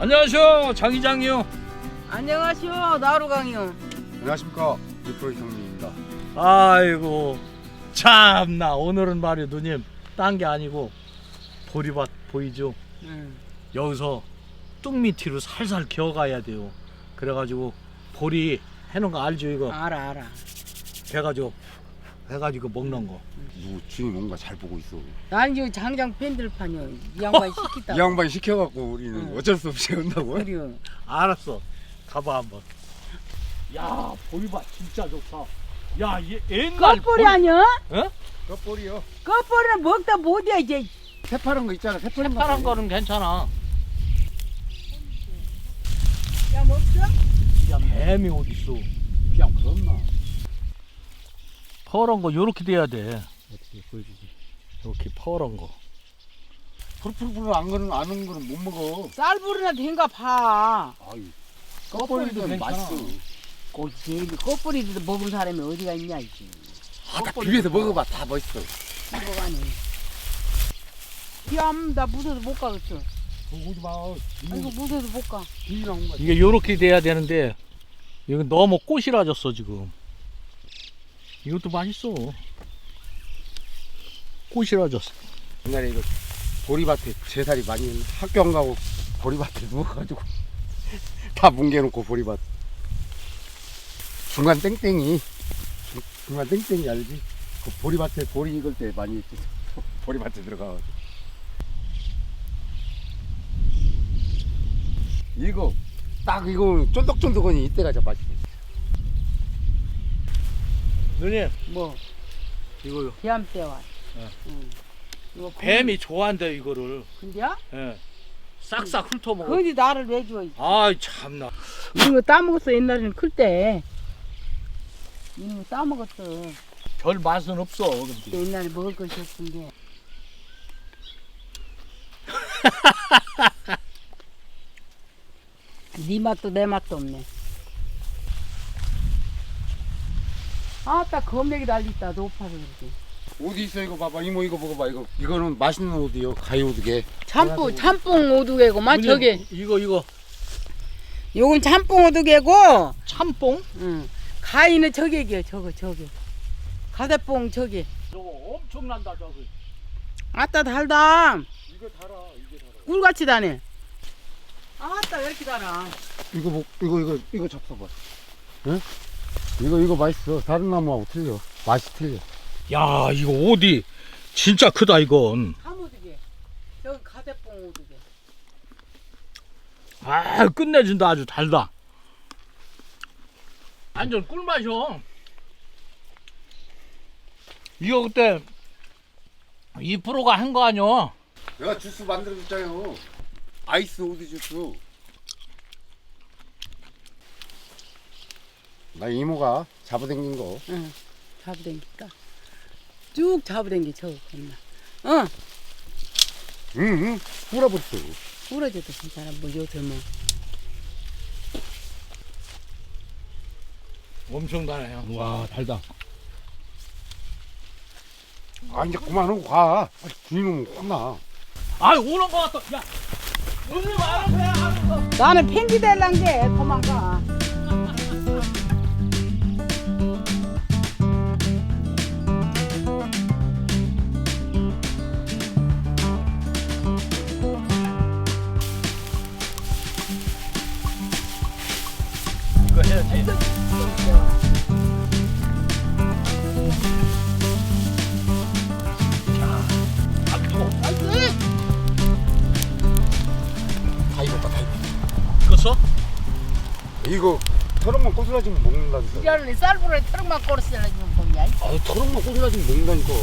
안녕하세요, 장 이장이요. 안녕하시오, 나루강이요. 안녕하십니까, 유프로 형님입니다. 아이고 참나, 오늘은 말이야 누님, 딴 게 아니고 보리밭 보이죠? 여기서 뚝밑으로 살살 기어가야 돼요. 그래가지고 보리 해놓은 거 알죠? 이거 알아. 해가지고 먹는 거. 누구 주인 뭔가 잘 보고 있어. 난 지금 장장 팬들판이요. 이 양반 시키다. 이 양반이 시켜갖고 우리는 응. 어쩔 수 없이 한다고. 그래요. 알았어, 가봐 한번. 야, 보리밭 진짜 좋다. 야, 옛날 껍뿌리 아니야? 어? 껍볼이요. 껍뿌리는 먹다 못해 이제. 새파란 거 있잖아. 새파란 파란 거는 괜찮아. 야 먹죠? 야, 뱀이 어디 있어? 그냥 그렇나. 파란 거 요렇게 돼야 돼. 어떻게 보여주지? 이렇게 파란 거. 풀풀풀 안 거는 아는 거는 못 먹어. 쌀불이나 된가 봐. 아유, 껍데기도 껍볼이도 괜찮아. 맛있어. 꼬지 껍뿌리도 먹은 사람이 어디가 있냐 이지. 아까 비벼서 먹어봐, 다 멋있어. 먹어가니. 나 무서워서 못 가겠어. 오지 마. 아이고 무서워서 못 가. 비랑 거. 이게 요렇게 돼야 되는데 이거 너무 꼬시라졌어 지금. 이것도 맛있어. 꼬시라졌어. 옛날에 이거 보리밭에 제살이 많이 했는데 학교 안 가고 보리밭에 누워가지고 다 뭉개놓고 보리밭. 중간 땡땡이 알지? 그 보리밭에 보리 익을 때 많이 했지. 보리밭에 들어가가지고. 이거 딱 이거 쫀득쫀득하니 이때가 진짜 맛있어. 누님, 뭐 이거요. 비암대와. 네. 응. 이거 뱀이 좋아한대 이거를. 근데야? 예. 싹싹 훑어먹어. 근데 나를 왜 줘? 아이 참나. 이거 따먹었어 옛날에는 클 때. 이거 따먹었어. 별 맛은 없어. 근데. 옛날에 먹을 것이 없은 게. 네 맛도 내 맛도 없네. 아따 검맥이 달리있다 높아서 그렇게. 옷 있어 이거 봐봐. 이모 이거 먹어봐. 이거는 맛있는 옷이요. 가위 오드게. 참뽕 오두개고만 저게. 이거 요건 참뽕 오두개고. 참뽕? 응. 가위는 저게기요 저게. 가대뽕 저게. 저거 엄청난다 저거. 아따 달다. 이거 달아. 이게 달아. 꿀같이 다네. 아따 왜 이렇게 달아. 이거 잡숴봐. 응? 이거 맛있어. 다른 나무하고 틀려. 맛이 틀려. 야, 이거 어디 진짜 크다 이건. 참오두개. 저건 가대뽕 오두개. 아, 끝내준다. 아주 달다. 완전 꿀맛이요. 이거 그때 2%가 한 거 아니야? 내가 주스 만들어줬잖아요. 아이스 오드 주스. 나 이모가 잡아당긴 거. 응. 잡아당길까? 쭉 잡아당기 저거 겁나. 응. 응. 뿌려버렸어. 부러져도 괜찮아. 뭐 요새 뭐. 엄청 달아요. 와, 달다. 아 이제 그만하고 가. 주인은 혼나. 아, 오는 거 같다. 야, 누님 알아서 해. 알아서. 나는 팽기 될란 게 도망가. 이거 해야지. 아, 뜨거. 다 익었다. 다 익었다. 익었어? 이거 털럭만 꼬슬라지면 먹는다니까. 이러니 쌀불에 트럭만 꼬르스라 지금 먹냐? 아 털럭만 꼬슬라지면 먹는다니까.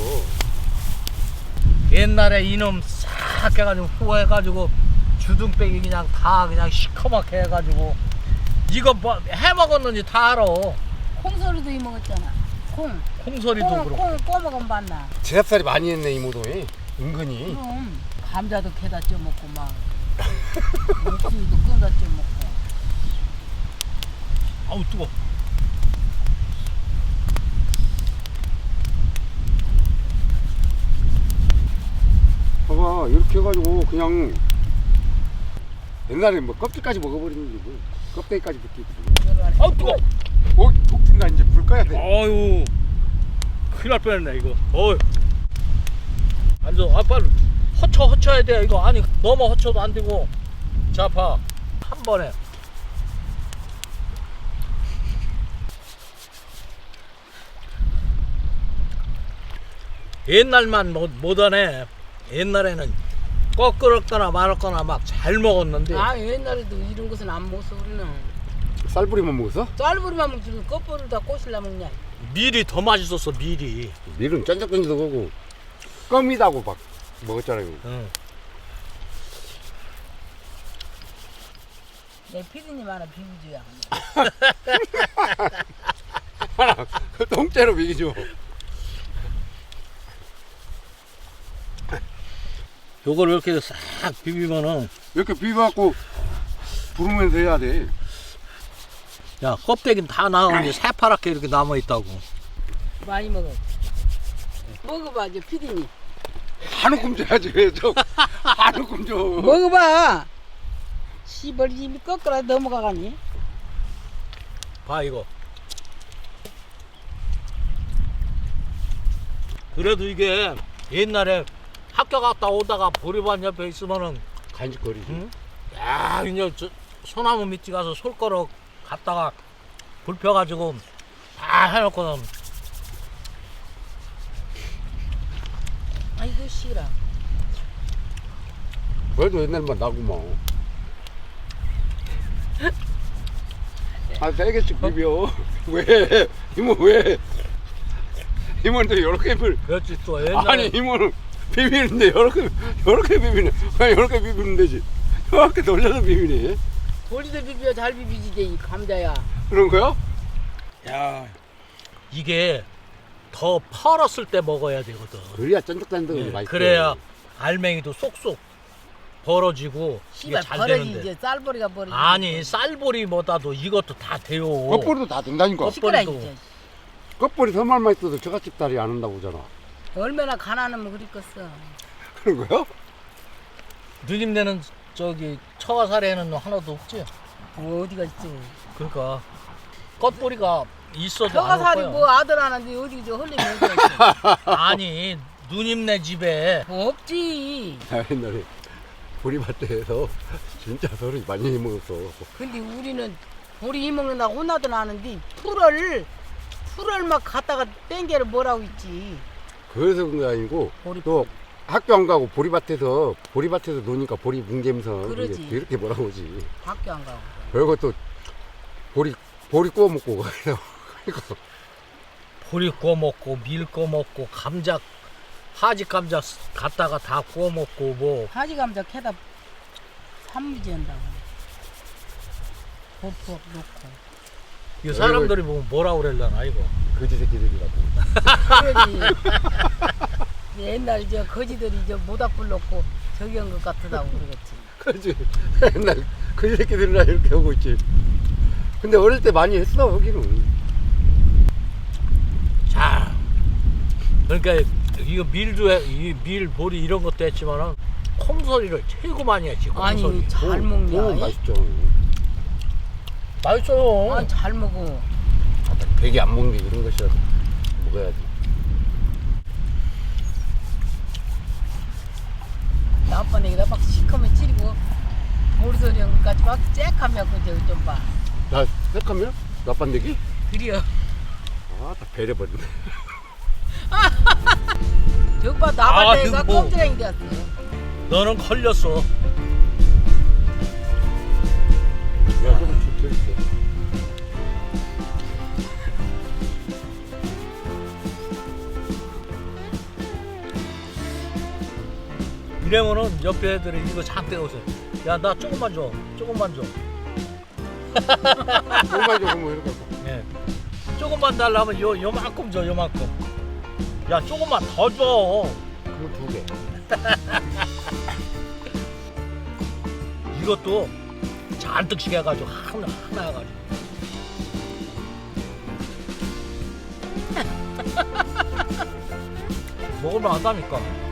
옛날에 이놈 싹 해가지고 후해가지고 주둥뱅이 그냥 다 그냥 시커멓게 해가지고 이거 뭐 해먹었는지 다 알아. 콩소리도 이 먹었잖아. 콩소리도 그렇고. 콩 꼬먹으면 봤나? 제삽살이 많이 했네 이모도. 은근히. 그럼 감자도 캐다 쪄먹고 막 목숨도 끊다 쪄먹고. 아우 뜨거. 봐봐 이렇게 해가지고 그냥 옛날에 뭐 껍질까지 먹어버리는데 뭐 껍데기까지 붙이고. 아우 뜨거. 독진다 이제 불 꺼야 돼. 아유 큰일 날 뻔했네 이거. 어이. 앉아. 아 빨리 허쳐야 돼 이거. 아니 너무 허쳐도 안 되고. 자 봐. 한 번에. 옛날만 못하네. 옛날에는 꺾었거나 말았거나 막 잘 먹었는데. 아 옛날에도 이런 것은 안 먹었어 우리는. 쌀뿌리만 먹었어? 쌀부리만 먹지 껍질을 다 꼬실라 먹냐. 밀이 더 맛있었어 밀이. 밀은 쫀득쫀득하고 껌이다고 막 먹었잖아요. 응. 내 피디님 하나 비비줘야. 하나 통째로 먹이죠. 요걸 이렇게 싹 비비면은 이렇게 비벼갖고 부르면서 해야 돼. 야 껍데기는 다 나오는데 새파랗게 이렇게 남아있다고. 많이 먹어. 먹어봐 이제 피디님. 한 움큼 줘야지. 한 움큼 줘. 먹어봐. 씨발 입이 꺾으라 넘어가가니. 봐 이거. 그래도 이게 옛날에 학교 갔다 오다가 보리밭 옆에 있으면은 간직거리지. 응? 야 이제 저 소나무 밑에 가서 솔거러 갔다가 불 펴가지고 다 해놓고는 아이고 싫어. 그래도 옛날만 나구만. 아, 3개씩 비벼. 왜? 이모 왜? 이모는 이렇게 비빌. 그렇지 또 옛날에 아니 이모는 비비는데 이렇게 비비네. 아니 이렇게 비비면 되지. 이렇게 돌려서 비비네. 돌리도 비벼 잘 비비지 이 감자야. 그런 거야? 야 이게 더 펄었을 때 먹어야 되거든. 그래야 쫀득쫀득하게 예, 맛있어. 그래야 알맹이도 쏙쏙 벌어지고 이게 씨발 잘 버려지 되는데. 이제 쌀벌이가 버려지. 아니 쌀보리보다도 이것도 다 돼요. 껍벌이도 다 된다니까. 시끄라 껍벌이도. 이제. 껍벌이 서말만 있어도 저같이 딸이 안 한다고 하잖아. 얼마나 가난하면 그랬겠어. 그런 거야? 누님네는 저기 처가살에는 하나도 없지. 어디가 있지? 그러니까 껍보리가 있어도 안 올 처가살이 거야. 뭐 아들 하나인데 어디 저 헐림이 어디 있어? 아니 누님네 집에 없지. 나 옛날에 보리밭에서 진짜 소리 많이 먹었어. 근데 우리는 우리 이먹는다고 혼나도 나는데 풀을 막 갖다가 땡겨를 뭐라고 있지. 그래서 그런 게 아니고 보리- 또 학교 안 가고 보리밭에서 노니까 보리 뭉개면서 그러지. 이렇게 뭐라고 하지. 학교 안 가고. 그리고 또 보리 구워 먹고 그래서 보리 구워 먹고 밀 구워 먹고 감자 하지 감자 갖다가 다 구워 먹고 뭐 하지 감자 캐다 산무지 한다고. 벅벅 놓고. 이 사람들이 보면 뭐라 그랬려나 이거. 거지 새끼들이라고. 그러지. 옛날 저 거지들이 저 모닥불 놓고 저기 한 것 같다고 그러겠지. 그렇지. 옛날 거지 새끼들이라 이렇게 하고 있지. 근데 어릴 때 많이 했어 여기는. 자, 그러니까 이거 밀도 이 밀 보리 이런 것도 했지만은 콩소리를 최고 많이 했지. 콩소리. 아니 잘 먹냐? 맛있죠. 맛있어요. 아니 잘 먹어. 배기 안 먹는 게 이런 것이라도 먹어야지. 나 아빠 내기다 막 시커매 찌르고 모리소리 형까지 막 쬐하면 그저 좀 봐. 나 색하면 나빤데기? 그려. 아, 다 배려버리네. 저기 봐 나발 때가 아이고. 꼼지랑이 되었어. 너는 걸렸어. 야, 좀 줄게. 이러면은 옆에 애들이 이거 잔뜩 오세요. 야, 나 조금만 줘. 조금만 줘. 정말 조금 뭐 이렇게. 예. 조금만 달라면 요만큼 줘, 요만큼. 야, 조금만 더 줘. 그거 2개. 이것도 잔뜩씩 해가지고 하나 해가지고. 먹을만 하다니까.